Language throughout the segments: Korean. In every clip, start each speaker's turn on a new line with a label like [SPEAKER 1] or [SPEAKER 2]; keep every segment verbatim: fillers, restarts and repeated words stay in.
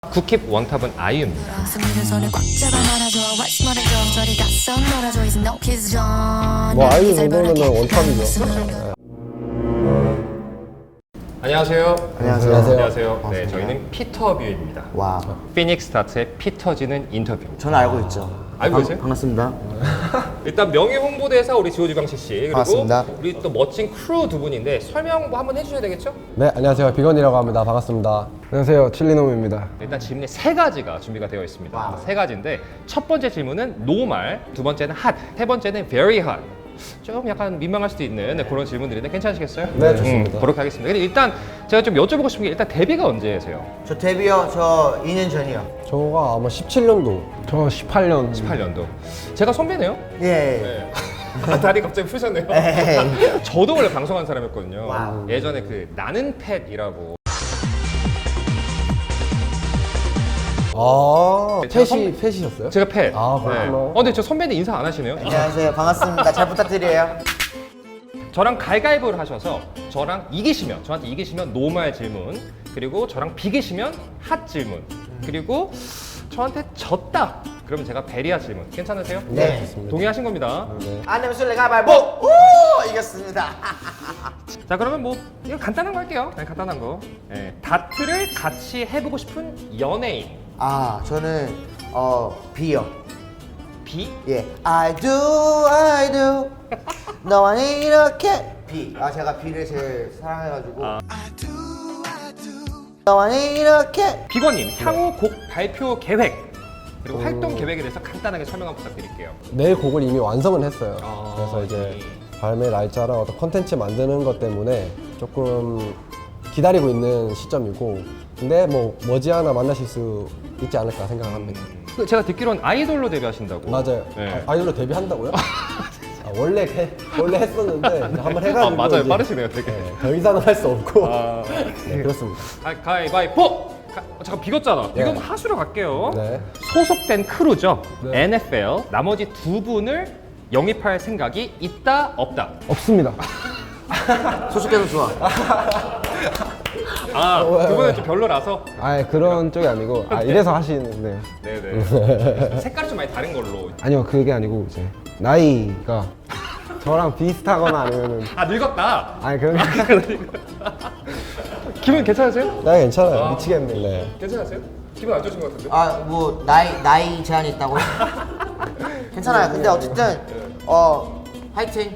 [SPEAKER 1] 국힙 원탑은 아이유입니다.
[SPEAKER 2] 뭐 아이유 정도면 원탑이죠. 네.
[SPEAKER 1] 안녕하세요.
[SPEAKER 2] 안녕하세요.
[SPEAKER 1] 안녕하세요. 네, 저희는 피터뷰입니다.
[SPEAKER 3] 와,
[SPEAKER 1] 피닉스 스타트의 피터지는 인터뷰.
[SPEAKER 3] 저는 알고 있죠.
[SPEAKER 1] 알고
[SPEAKER 3] 반-
[SPEAKER 1] 계세요?
[SPEAKER 3] 반갑습니다.
[SPEAKER 1] 일단 명예 홍보대사 우리 지호지광식 씨 그리고
[SPEAKER 2] 반갑습니다.
[SPEAKER 1] 우리 또 멋진 크루 두 분인데 설명 뭐 한번 해주셔야 되겠죠?
[SPEAKER 2] 네, 안녕하세요. 비건이라고 합니다. 반갑습니다. 안녕하세요. 칠리놈입니다.
[SPEAKER 1] 일단 질문이 세 가지가 준비가 되어 있습니다.
[SPEAKER 3] 와우.
[SPEAKER 1] 세 가지인데 첫 번째 질문은 노말, 두 번째는 핫, 세 번째는 very hot. 좀 약간 민망할 수도 있는 네, 그런 질문들인데 괜찮으시겠어요?
[SPEAKER 2] 네, 좋습니다.
[SPEAKER 1] 음, 그렇게 하겠습니다. 근데 일단 제가 좀 여쭤보고 싶은 게 일단 데뷔가 언제세요?
[SPEAKER 3] 저 데뷔요, 저 이 년 전이요.
[SPEAKER 2] 저가 아마 십칠 년도. 저 십팔 년.
[SPEAKER 1] 십팔 년도. 제가 선배네요?
[SPEAKER 3] 예.
[SPEAKER 1] 네. 다리 갑자기 푸셨네요.
[SPEAKER 3] 에이.
[SPEAKER 1] 저도 원래 방송한 사람이었거든요.
[SPEAKER 3] 와우.
[SPEAKER 1] 예전에 그 나는 팻이라고.
[SPEAKER 2] 아,
[SPEAKER 1] 제가
[SPEAKER 2] 펫이, 펫이셨어요?
[SPEAKER 1] 제가 팻.
[SPEAKER 2] 아, 그렇구나.
[SPEAKER 1] 네. 어, 근데 저 선배님 인사 안 하시네요?
[SPEAKER 3] 안녕하세요. 반갑습니다. 잘 부탁드려요.
[SPEAKER 1] 저랑 가위바위보를 하셔서 저랑 이기시면 저한테 이기시면 노말 질문 그리고 저랑 비기시면 핫 질문 그리고 저한테 졌다 그러면 제가 베리아 질문 괜찮으세요?
[SPEAKER 3] 네.
[SPEAKER 2] 좋습니다.
[SPEAKER 1] 동의하신 겁니다.
[SPEAKER 2] 네.
[SPEAKER 3] 안 되면 술래 가위바위보! 오! 이겼습니다.
[SPEAKER 1] 자 그러면 뭐 이거 간단한 거 할게요. 네, 간단한 거. 네, 다트를 같이 해보고 싶은 연예인
[SPEAKER 3] 아, 저는 어 B요.
[SPEAKER 1] B
[SPEAKER 3] 예. I do, I do. 너와 이렇게 B. 아, 제가 B를 제일 사랑해가지고.
[SPEAKER 1] 아.
[SPEAKER 3] 너와 이렇게.
[SPEAKER 1] 비건님 향후 곡 발표 계획 그리고 활동 계획에 대해서 간단하게 설명 한번 부탁드릴게요.
[SPEAKER 2] 내 곡을 이미 완성은 했어요.
[SPEAKER 1] 아,
[SPEAKER 2] 그래서 이제
[SPEAKER 1] 예.
[SPEAKER 2] 발매 날짜랑 어떤 컨텐츠 만드는 것 때문에 조금 기다리고 있는 시점이고, 근데 뭐 머지않아 만나실 수 있지 않을까 생각을 합니다.
[SPEAKER 1] 그 제가 듣기로는 아이돌로 데뷔하신다고.
[SPEAKER 2] 맞아요.
[SPEAKER 1] 네.
[SPEAKER 2] 아, 아이돌로 데뷔한다고요? 아, 원래 해, 원래 했었는데 이제 한번 해가지고
[SPEAKER 1] 아, 맞아요.
[SPEAKER 2] 이제,
[SPEAKER 1] 빠르시네요, 되게.
[SPEAKER 2] 네, 더 이상은 할 수 없고.
[SPEAKER 1] 아,
[SPEAKER 2] 네, 그렇습니다.
[SPEAKER 1] 가, 가위바위보! 가, 어, 잠깐 비겼잖아.
[SPEAKER 2] 네.
[SPEAKER 1] 비금 하수로 갈게요.
[SPEAKER 2] 네.
[SPEAKER 1] 소속된 크루죠.
[SPEAKER 2] 네.
[SPEAKER 1] 엔에프엘 나머지 두 분을 영입할 생각이 있다 없다.
[SPEAKER 2] 없습니다.
[SPEAKER 3] 소속해서 좋아.
[SPEAKER 1] 아,
[SPEAKER 2] 왜,
[SPEAKER 1] 두 분은
[SPEAKER 2] 왜?
[SPEAKER 1] 좀 별로라서.
[SPEAKER 2] 아, 그런 쪽이 아니고 아, 이래서 하시는데.
[SPEAKER 1] 네네. 색깔이 좀 많이 다른 걸로.
[SPEAKER 2] 아니요, 그게 아니고 이제 나이가 저랑 비슷하거나 아니면은
[SPEAKER 1] 아 늙었다.
[SPEAKER 2] 아니 그런
[SPEAKER 1] 기분 괜찮으세요?
[SPEAKER 2] 나이 괜찮아요.
[SPEAKER 1] 아.
[SPEAKER 2] 미치겠네. 네.
[SPEAKER 1] 괜찮으세요? 기분 안 좋으신 것 같은데?
[SPEAKER 3] 아, 뭐 나이 나이 제한이 있다고요? 괜찮아요. 근데 어쨌든 어 화이팅.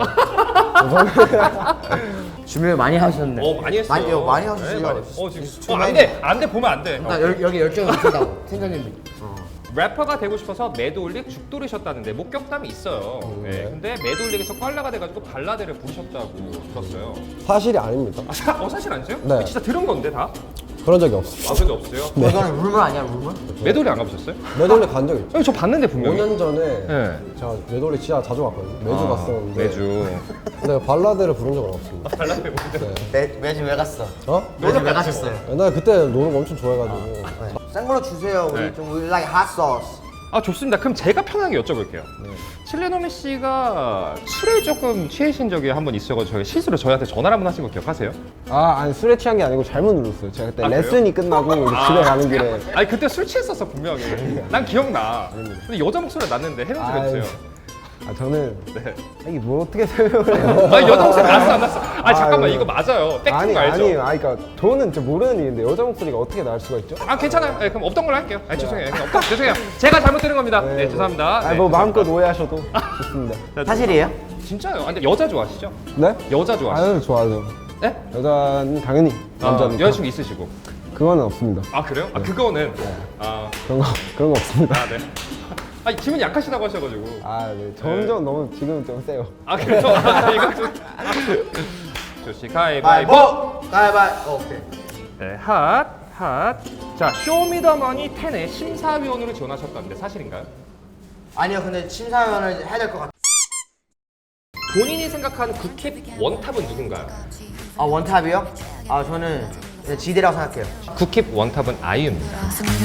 [SPEAKER 3] 준비를 많이 하셨네.
[SPEAKER 1] 어 많이 했어요.
[SPEAKER 3] 많이, 어, 많이 하셨어요.
[SPEAKER 1] 네, 많이 했어요. 어 지금
[SPEAKER 3] 주말-
[SPEAKER 1] 어, 안 돼, 안 돼 보면 안 돼.
[SPEAKER 3] 나 여, 여기 열정이 있다고 팀장님이.
[SPEAKER 1] 래퍼가 되고 싶어서 매드올릭 죽돌이셨다는데 목격담이 있어요. 네. 근데 매드올릭에서 꽐라가 돼가지고 발라드를 부르셨다고 들었어요.
[SPEAKER 2] 사실이 아닙니다.
[SPEAKER 1] 아, 사, 어 사실 아니세요?
[SPEAKER 2] 네.
[SPEAKER 1] 진짜 들은 건데 다?
[SPEAKER 2] 그런 적이 없어요.
[SPEAKER 1] 아 근데 없어요?
[SPEAKER 3] 네. 이거는 루머 아니야 루머?
[SPEAKER 1] 매드올릭 안 가보셨어요?
[SPEAKER 2] 매돌리 간 적 있죠.
[SPEAKER 1] 아니, 저 봤는데 분명히.
[SPEAKER 2] 오 년 전에
[SPEAKER 1] 네.
[SPEAKER 2] 제가 매돌리 진짜 자주 갔거든요. 매주
[SPEAKER 1] 아,
[SPEAKER 2] 갔었는데.
[SPEAKER 1] 매주.
[SPEAKER 2] 근데 발라드를 부른 적은 없습니다.
[SPEAKER 1] 발라드 부르셨어요?
[SPEAKER 3] 매 매주 왜 갔어?
[SPEAKER 2] 어?
[SPEAKER 3] 매주 왜 가셨어요?
[SPEAKER 2] 옛날에 그때 노는 거 엄청 좋아해가지고.
[SPEAKER 3] 네. 센 걸로 주세요. 우리
[SPEAKER 1] 네.
[SPEAKER 3] 좀 we like hot sauce.
[SPEAKER 1] 아 좋습니다. 그럼 제가 편하게 여쭤볼게요. 칠레노미 씨가 술에 조금 취하신 적이 한 번 있어가지고 저희 실수로 저희한테 전화를 한 번 하신 거 기억하세요?
[SPEAKER 2] 아, 아니 술에 취한 게 아니고 잘못 눌렀어요. 제가 그때
[SPEAKER 1] 아, 그래요?
[SPEAKER 2] 레슨이 끝나고 이제 집에 가는 길에.
[SPEAKER 1] 아니 그때 술 취했었어 분명히. 난 기억나. 근데 여자 목소리 났는데 해명 좀
[SPEAKER 2] 아유,
[SPEAKER 1] 해주세요.
[SPEAKER 2] 아 저는
[SPEAKER 1] 네.
[SPEAKER 2] 이게 뭐 어떻게 설명을 해요?
[SPEAKER 1] 아니 여자 목소리 났어 안 났어? 아니 잠깐만
[SPEAKER 2] 아유.
[SPEAKER 1] 이거 맞아요. 팩트인
[SPEAKER 2] 아니
[SPEAKER 1] 거 알죠?
[SPEAKER 2] 아니 아니 그러니까 저는 진짜 모르는 일인데 여자 목소리가 어떻게 나올 수가 있죠?
[SPEAKER 1] 아 괜찮아요. 네, 그럼 없던 걸로 할게요. 아 죄송해요. 그냥 없던, 죄송해요. 제가 잘못 들은 겁니다. 네, 죄송합니다.
[SPEAKER 2] 아니
[SPEAKER 1] 네,
[SPEAKER 2] 뭐 마음껏
[SPEAKER 1] 죄송합니다.
[SPEAKER 2] 오해하셔도 좋습니다.
[SPEAKER 3] 사실이에요?
[SPEAKER 1] 진짜요? 아, 근데 여자 좋아하시죠?
[SPEAKER 2] 네?
[SPEAKER 1] 여자 좋아하시죠?
[SPEAKER 2] 아유 좋아하죠.
[SPEAKER 1] 네?
[SPEAKER 2] 여자는 당연히
[SPEAKER 1] 아,
[SPEAKER 2] 남자는
[SPEAKER 1] 여자친구 있으시고.
[SPEAKER 2] 그거는 없습니다.
[SPEAKER 1] 아 그래요? 아 그거는 아,
[SPEAKER 2] 그런 거 그런 거 없습니다.
[SPEAKER 1] 아 네. 아니 기분이 약하시다고 하셔가지고.
[SPEAKER 2] 아 네. 점점 너무 지금 좀 세요.
[SPEAKER 1] 아 그래서 아, 이거 좀. 조시 가위바위보.
[SPEAKER 3] 가위바위보. 가위바위보. 어, 오케이.
[SPEAKER 1] 네, 핫, 핫. 자, 쇼미더머니 텐의 심사위원으로 지원하셨다는데 사실인가요?
[SPEAKER 3] 아니요, 근데 심사위원을 해야 될 것 같아.
[SPEAKER 1] 본인이 생각하는 국힙 원탑은 누군가요?
[SPEAKER 3] 아 원탑이요? 아 저는 지대라고 생각해요.
[SPEAKER 1] 국힙 원탑은 아이유입니다.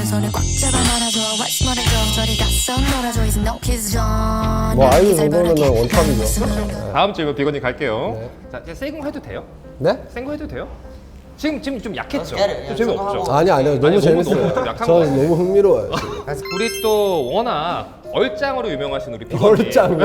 [SPEAKER 2] 뭐 아이유 정도면 원탑이죠.
[SPEAKER 1] 다음 질문 비건님 갈게요.
[SPEAKER 2] 네.
[SPEAKER 1] 자, 이제 세이공 해도 돼요?
[SPEAKER 2] 네?
[SPEAKER 1] 생거 해도 돼요? 지금 지금 좀 약했죠?
[SPEAKER 3] Let's get it.
[SPEAKER 1] 좀
[SPEAKER 3] 야,
[SPEAKER 1] 재미없죠?
[SPEAKER 3] 하고.
[SPEAKER 2] 아니 아니요 너무
[SPEAKER 1] 아니, 너무-
[SPEAKER 2] 재밌어요.
[SPEAKER 1] 너무 좀 약한
[SPEAKER 2] 저는
[SPEAKER 1] 거
[SPEAKER 2] 너무 흥미로워요.
[SPEAKER 1] 우리 또 워낙 얼짱으로 유명하신 우리 비건님.
[SPEAKER 2] 얼짱이요.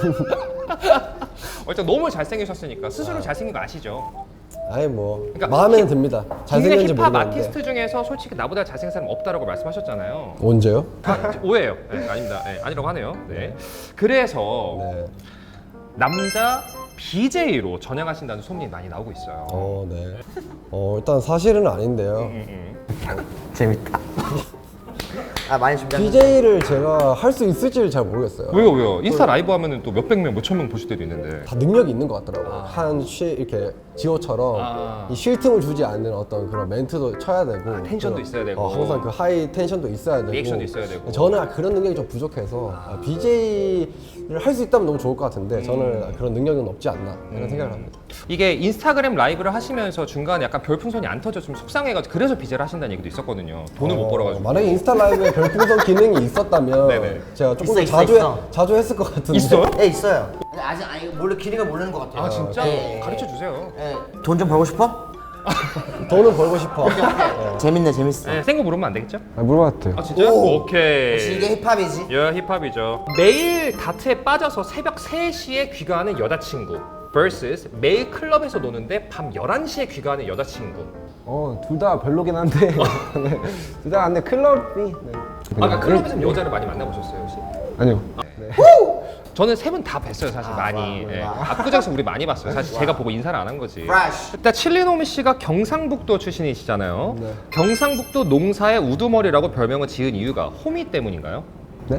[SPEAKER 1] 얼짱 너무 잘생기셨으니까 스스로 잘생긴 거 아시죠?
[SPEAKER 2] 아니 뭐
[SPEAKER 1] 그러니까
[SPEAKER 2] 마음에는 듭니다.
[SPEAKER 1] 국내
[SPEAKER 2] 잘생겼는지
[SPEAKER 1] 힙합
[SPEAKER 2] 모르겠는데.
[SPEAKER 1] 아티스트 중에서 솔직히 나보다 잘생긴 사람 없다라고 말씀하셨잖아요.
[SPEAKER 2] 언제요?
[SPEAKER 1] 오해예요. 네, 아닙니다. 네, 아니라고 하네요. 네. 그래서
[SPEAKER 2] 네.
[SPEAKER 1] 남자 비제이로 전향하신다는 소문이 많이 나오고 있어요.
[SPEAKER 2] 어 네. 어 일단 사실은 아닌데요.
[SPEAKER 1] 음, 음.
[SPEAKER 3] 재밌다. 아 많이 준비한.
[SPEAKER 2] 비제이를 제가 할 수 있을지를 잘 모르겠어요.
[SPEAKER 1] 왜요, 왜요? 인스타 라이브 하면은 또 몇백 명, 몇천 명 보실 때도 있는데.
[SPEAKER 2] 다 능력이 있는 것 같더라고요. 한 쉬, 이렇게 지호처럼
[SPEAKER 1] 아.
[SPEAKER 2] 이 쉴 틈을 주지 않는 어떤 그런 멘트도 쳐야 되고
[SPEAKER 1] 아, 텐션도
[SPEAKER 2] 그런-
[SPEAKER 1] 있어야 되고.
[SPEAKER 2] 어, 항상 그 하이 텐션도 있어야 되고
[SPEAKER 1] 리액션도 있어야 되고.
[SPEAKER 2] 저는 그런 능력이 좀 부족해서 아, 비제이를 할 수 있다면 너무 좋을 것 같은데
[SPEAKER 1] 음.
[SPEAKER 2] 저는 그런 능력은 없지 않나 이런 생각을 합니다.
[SPEAKER 1] 이게 인스타그램 라이브를 하시면서 중간에 약간 별풍선이 안 터져 좀 속상해가지고 그래서 비제를 하신다는 얘기도 있었거든요. 돈을 못
[SPEAKER 2] 어,
[SPEAKER 1] 벌어가지고.
[SPEAKER 2] 만약에 인스타 라이브에 별풍선 기능이 있었다면
[SPEAKER 1] 네네.
[SPEAKER 2] 제가 조금
[SPEAKER 3] 있어,
[SPEAKER 2] 더
[SPEAKER 3] 있어,
[SPEAKER 2] 자주
[SPEAKER 3] 있어.
[SPEAKER 2] 해, 자주 했을 것 같은데
[SPEAKER 1] 있어요?
[SPEAKER 3] 네 있어요. 근데 아직 아니 몰래 기능을 모르는 것 같아요.
[SPEAKER 1] 아 진짜?
[SPEAKER 3] 네.
[SPEAKER 1] 가르쳐 주세요.
[SPEAKER 3] 네. 돈 좀 벌고 싶어?
[SPEAKER 2] 돈을 벌고 싶어.
[SPEAKER 3] 재밌네 재밌어.
[SPEAKER 1] 네, 생거 물으면 안 되겠죠?
[SPEAKER 2] 아, 물어봐도 돼요.
[SPEAKER 1] 아 진짜요?
[SPEAKER 3] 오.
[SPEAKER 1] 오케이.
[SPEAKER 3] 역시 이게 힙합이지.
[SPEAKER 1] 야 힙합이죠. 매일 다트에 빠져서 새벽 세 시에 귀가하는 여자친구 vs 매일 클럽에서 노는데 밤 열한 시에 귀가하는 여자친구.
[SPEAKER 4] 어, 둘 다 별로긴 한데. 네. 둘 다 근데 클럽이. 네.
[SPEAKER 1] 아까 클럽에서 여자를 많이 만나보셨어요 혹시?
[SPEAKER 4] 아니요.
[SPEAKER 1] 저는 세 분 다 뵀어요 사실 많이.
[SPEAKER 3] 와,
[SPEAKER 1] 예.
[SPEAKER 3] 와.
[SPEAKER 1] 압구정에서 우리 많이 봤어요. 사실 제가 보고 인사를 안 한 거지.
[SPEAKER 3] Fresh.
[SPEAKER 1] 일단 칠리노미 씨가 경상북도 출신이시잖아요.
[SPEAKER 2] 네.
[SPEAKER 1] 경상북도 농사의 우두머리라고 별명을 지은 이유가 호미 때문인가요?
[SPEAKER 4] 네?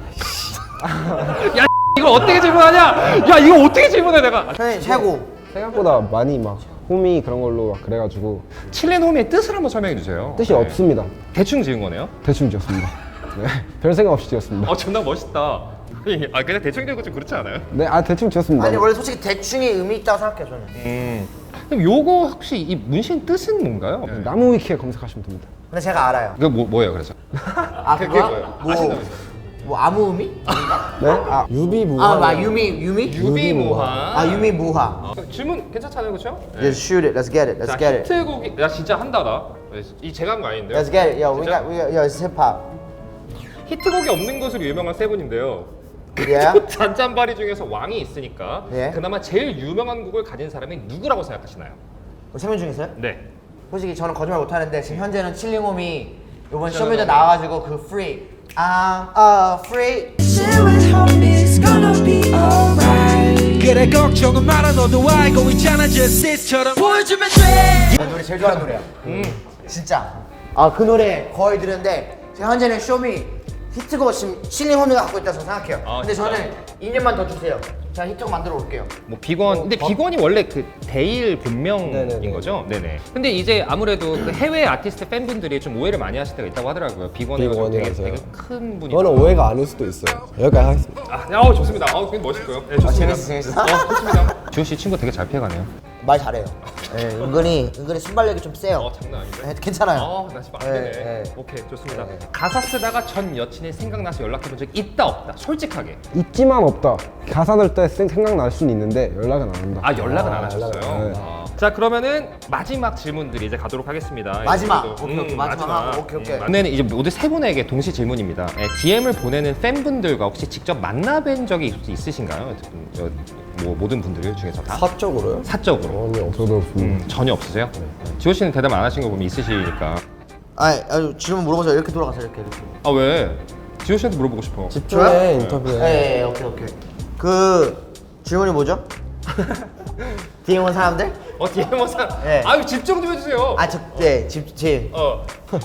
[SPEAKER 1] 야 이걸 어떻게 질문하냐? 야 이거 어떻게 질문해 내가?
[SPEAKER 3] 선생님 최고.
[SPEAKER 4] 생각보다 많이 막 홈이 그런 걸로 막 그래가지고
[SPEAKER 1] 칠린 호미의 뜻을 한번 설명해 주세요.
[SPEAKER 4] 뜻이
[SPEAKER 1] 네.
[SPEAKER 4] 없습니다.
[SPEAKER 1] 대충 지은 거네요?
[SPEAKER 4] 대충 지었습니다. 네. 별 생각 없이 지었습니다.
[SPEAKER 1] 어 존나 멋있다. 아 그냥 대충 지은 거 좀 그렇지 않아요?
[SPEAKER 4] 네, 아 대충 지었습니다.
[SPEAKER 3] 아니 원래 솔직히 대충이 의미 있다고 생각해요 저는.
[SPEAKER 1] 음. 그럼 요거 혹시 이 문신 뜻은 뭔가요?
[SPEAKER 4] 나무 위키에 검색하시면 됩니다.
[SPEAKER 3] 근데 제가 알아요.
[SPEAKER 1] 그거 뭐, 뭐예요 그래서?
[SPEAKER 3] 아
[SPEAKER 1] 그게
[SPEAKER 3] 그거?
[SPEAKER 1] 뭐예요?
[SPEAKER 3] 뭐,
[SPEAKER 1] 아신다면서요?
[SPEAKER 3] 뭐 아무 의미?
[SPEAKER 4] 네? 아,
[SPEAKER 2] 유비무환.
[SPEAKER 3] 아, 막 유미 유미?
[SPEAKER 1] 유비무환.
[SPEAKER 3] 아 유미 무화.
[SPEAKER 1] 어, 질문 괜찮잖아요 그렇죠?
[SPEAKER 3] Just shoot it. Let's get it. Let's
[SPEAKER 1] 자
[SPEAKER 3] get it.
[SPEAKER 1] 히트곡이 야 진짜 한다 나. 이 제가 한 거 아닌데요?
[SPEAKER 3] Let's get it. Yo, we
[SPEAKER 1] 진짜?
[SPEAKER 3] got we got yo, it's hip hop.
[SPEAKER 1] 히트곡이 없는 것으로 유명한 세 분인데요.
[SPEAKER 3] Yeah.
[SPEAKER 1] 잔잔바리 중에서 왕이 있으니까
[SPEAKER 3] 예.
[SPEAKER 1] 그나마 제일 유명한 곡을 가진 사람이 누구라고 생각하시나요?
[SPEAKER 3] 세명 중에서요?
[SPEAKER 1] 네.
[SPEAKER 3] 솔직히 저는 거짓말 못 하는데 지금 현재는 칠링홈이 이번
[SPEAKER 1] 저는-
[SPEAKER 3] 쇼미더 나와가지고 그 free. I'm a free.
[SPEAKER 5] Chill with homies, gonna be alright. 그래 걱정은 말아 너도 알고 있잖아 just sit처럼 보여주면 돼.
[SPEAKER 3] 그 노래 제일 좋아하는 노래야.
[SPEAKER 1] 음.
[SPEAKER 3] 진짜. 아 그 노래 거의 들었는데 지금 현재는 쇼미 히트곡 지금 칠링홈이가 갖고 있다고 저는 생각해요.
[SPEAKER 1] 아,
[SPEAKER 3] 근데
[SPEAKER 1] 진짜?
[SPEAKER 3] 저는 이 년만 더 주세요. 제가 히트곡 만들어 올게요.
[SPEAKER 1] 뭐 비건 근데 비건이 원래 그 데일 본명인
[SPEAKER 2] 네네네.
[SPEAKER 1] 거죠? 네네. 근데 이제 아무래도 그 해외 아티스트 팬분들이 좀 오해를 많이 하실 때가 있다고 하더라고요. 비건이 되게,
[SPEAKER 2] 비건이라서요?
[SPEAKER 1] 되게 큰 분이.
[SPEAKER 2] 그거는 오해가 아닐 수도 있어요. 여기까지 하겠습니다.
[SPEAKER 1] 아, 어 좋습니다. 아, 굉장히 멋있고요. 네, 좋습니다.
[SPEAKER 3] 재밌어, 재밌어.
[SPEAKER 1] 어, 좋습니다. 주호 씨 친구 되게 잘 피해가네요.
[SPEAKER 3] 말 잘해요. 네, 은근히 은근히 순발력이 좀 세요.
[SPEAKER 1] 어, 장난 아닌데.
[SPEAKER 3] 네, 괜찮아요.
[SPEAKER 1] 아, 나 지금 안 되네.
[SPEAKER 3] 네, 네.
[SPEAKER 1] 오케이, 좋습니다. 가사 쓰다가 전 여친이 생각나서 연락해본 적 있다 없다. 솔직하게.
[SPEAKER 4] 있지만 없다. 가사 넣을 때 생- 생각날 수는 있는데 연락은 안 한다.
[SPEAKER 1] 아 연락은
[SPEAKER 2] 아,
[SPEAKER 1] 안 하셨어요.
[SPEAKER 4] 연락은 안 해요.
[SPEAKER 1] 아. 자 그러면은 마지막 질문들이 이제 가도록 하겠습니다.
[SPEAKER 3] 마지막.
[SPEAKER 1] 이분들도.
[SPEAKER 3] 오케이, 오케이. 마지막 하고. 오케이, 오케이.
[SPEAKER 1] 이번에는 이제 모두 세 분에게 동시 질문입니다. 네, 디엠을 보내는 팬분들과 혹시 직접 만나뵌 적이 있- 있으신가요? 저, 뭐 모든 분들 중에서 다
[SPEAKER 2] 사적으로요?
[SPEAKER 1] 사적으로
[SPEAKER 2] 전혀 없어요.
[SPEAKER 4] 저도 없습니다.
[SPEAKER 1] 음, 전혀 없으세요? 지호 씨는 대답 안 하신 거 보면 있으시니까.
[SPEAKER 3] 아니, 아니 질문 물어보세요. 이렇게 돌아가세요. 이렇게 이렇게.
[SPEAKER 1] 아 왜? 지호 씨한테 물어보고 싶어.
[SPEAKER 2] 집중해
[SPEAKER 3] 저요?
[SPEAKER 2] 인터뷰에.
[SPEAKER 3] 네, 네, 오케이 오케이. 그 질문이 뭐죠? 디엠 온 사람들?
[SPEAKER 1] 어 디엠 원상.
[SPEAKER 3] 네.
[SPEAKER 1] 아유 집중 좀 해주세요.
[SPEAKER 3] 아, 저, 네, 집, 집.
[SPEAKER 1] 어.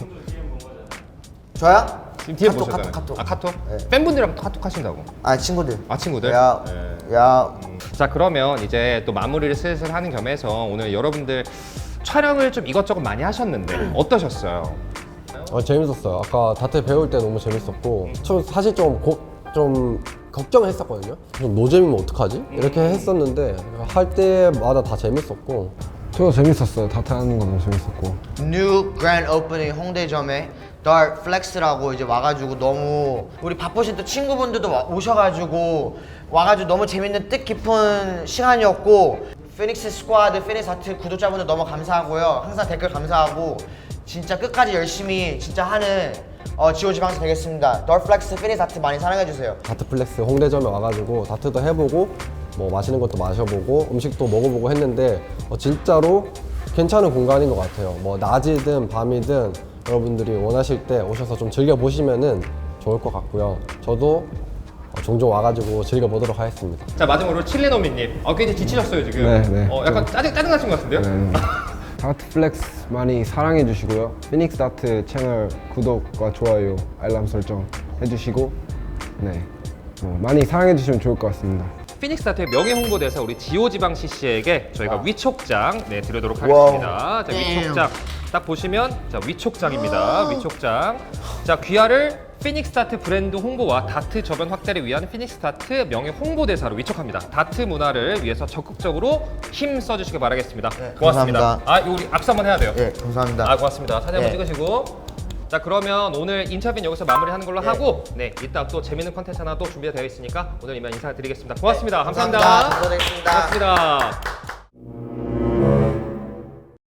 [SPEAKER 3] 저요?
[SPEAKER 1] 지금 디엠
[SPEAKER 3] 카톡,
[SPEAKER 1] 보셨잖아요.
[SPEAKER 3] 카톡, 카톡.
[SPEAKER 1] 아 카톡?
[SPEAKER 3] 네.
[SPEAKER 1] 팬분들이랑 카톡 하신다고.
[SPEAKER 3] 아, 친구들.
[SPEAKER 1] 아 친구들?
[SPEAKER 3] 야,
[SPEAKER 1] 네.
[SPEAKER 3] 야.
[SPEAKER 1] 자 그러면 이제 또 마무리를 슬슬 하는 겸해서 오늘 여러분들 촬영을 좀 이것저것 많이 하셨는데 어떠셨어요?
[SPEAKER 2] 어, 재밌었어요. 아까 다트 배울 때 너무 재밌었고, 저 사실 좀, 고, 좀 걱정했었거든요. 좀 노잼이면 어떡하지? 이렇게 했었는데 할 때마다 다 재밌었고.
[SPEAKER 4] 저도 재밌었어요. 다트 하는 거 너무 재밌었고.
[SPEAKER 3] 뉴 그랜드 오프닝 홍대점에 Dark Flex라고 이제 와가지고 너무 우리 바쁘신 또 친구분들도 와- 오셔가지고 와가지고 너무 재밌는 뜻깊은 시간이었고 피닉스 스쿼드, 피닉스 하트 구독자분들 너무 감사하고요. 항상 댓글 감사하고 진짜 끝까지 열심히 진짜 하는 어, 지오지방스 되겠습니다. 더플렉스 피닉스 하트 많이 사랑해주세요.
[SPEAKER 2] 다트플렉스 홍대점에 와가지고 다트도 해보고 뭐 맛있는 것도 마셔보고 음식도 먹어보고 했는데 어, 진짜로 괜찮은 공간인 것 같아요. 뭐 낮이든 밤이든 여러분들이 원하실 때 오셔서 좀 즐겨보시면은 좋을 것 같고요. 저도 어, 종종 와가지고 즐겨보도록 하겠습니다.
[SPEAKER 1] 자 마지막으로 칠레노미님. 어 굉장히 지치셨어요 지금.
[SPEAKER 4] 네, 네.
[SPEAKER 1] 어 약간 짜증 짜증 나신 것 같은데요?
[SPEAKER 4] 네. 다트 플렉스 많이 사랑해 주시고요. 피닉스 다트 채널 구독과 좋아요, 알람 설정 해주시고 네, 어, 많이 사랑해 주시면 좋을 것 같습니다.
[SPEAKER 1] 피닉스 다트의 명예 홍보대사 우리 지오지방 씨씨에게 저희가 위촉장 네 드리도록
[SPEAKER 3] 와우.
[SPEAKER 1] 하겠습니다. 자 위촉장 딱 보시면 자 위촉장입니다. 위촉장. 자 귀하를 피닉스 다트 브랜드 홍보와 다트 저변 확대를 위한 피닉스 다트 명예 홍보대사로 위촉합니다. 다트 문화를 위해서 적극적으로 힘 써주시길 바라겠습니다.
[SPEAKER 3] 네,
[SPEAKER 1] 고맙습니다.
[SPEAKER 3] 감사합니다.
[SPEAKER 1] 아 이거 우리 악수 한번 해야 돼요.
[SPEAKER 3] 예, 감사합니다.
[SPEAKER 1] 아 고맙습니다. 사진 한번
[SPEAKER 3] 네.
[SPEAKER 1] 찍으시고. 자 그러면 오늘 인터뷰는 여기서 마무리하는 걸로
[SPEAKER 3] 네.
[SPEAKER 1] 하고 네 이따 또 재밌는 컨텐츠 하나 또 준비가 되어 있으니까 오늘 이만 인사드리겠습니다. 고맙습니다.
[SPEAKER 3] 네,
[SPEAKER 1] 감사합니다.
[SPEAKER 3] 감사합니다. 감사드리겠습니다.
[SPEAKER 1] 고맙습니다.